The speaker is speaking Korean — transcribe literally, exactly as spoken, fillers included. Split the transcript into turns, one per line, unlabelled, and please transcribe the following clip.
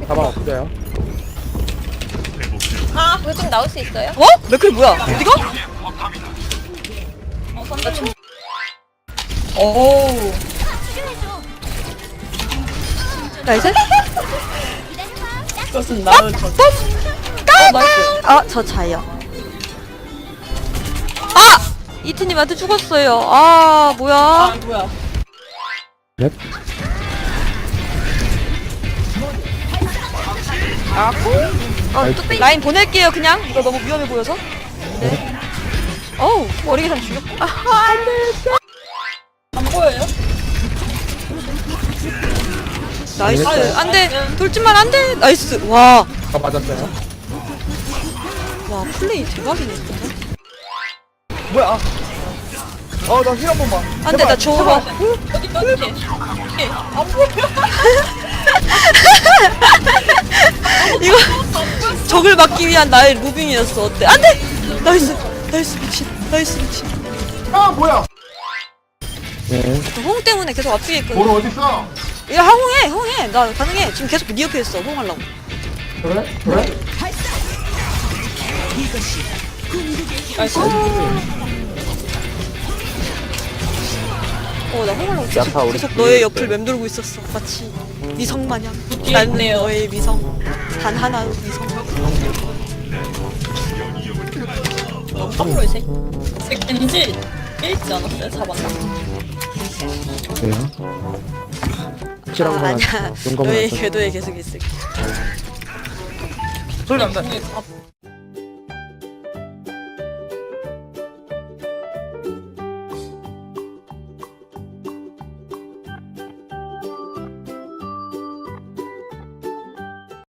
가방 없어요.
아, 그거 좀 나올 수 있어요?
어? 맥클 뭐야? 어디가?
어, 선배 좀.
오. 나이스.
그것은 나는 저
아, 저 자요. 아! 이트님한테 죽었어요. 아, 뭐야?
아 뭐야
넵.
어, 뚝배기. 라인 보낼게요, 그냥. 이거 너무 위험해 보여서. 네. 어우, 머리 계산 죽였고. 아, 안 돼.
안 보여요?
나이스. 안 돼. 돌진만 안 돼. 나이스. 와.
아 맞았어요.
와, 플레이 대박이네, 진짜.
뭐야? 어나 힐 한 번만.
안 돼, 나 저거.
어디 어디 안 보여
이거 적을 막기 위한 나의 무빙이었어. 어때? 안 돼! 나이스. 나이스 미친. 나이스 미친.
아 뭐야?
네.
저 홍 때문에 계속 앞뒤에 있거든.
보러 어딨어?
야, 홍해, 홍해. 나 가능해. 지금 계속 니어크 했어. 홍 하려고.
그래? 그래?
나이스
어, 나 홍 하려고 계속,
야타 우리
계속
뒤에
너의
있어요.
옆을 맴돌고 있었어. 마치 미성 마냥.
뒤에
난
있네요.
너의 미성. 단 하나의 미성.
어, 깜으로 이 새끼 새끼 겐지 깨있지 않았어요? 잡았나?
그래요? 확실한
아,
건
아니야.
아니고, 용감은
너의
아니고.
궤도에 계속 있을게.
소리 난다.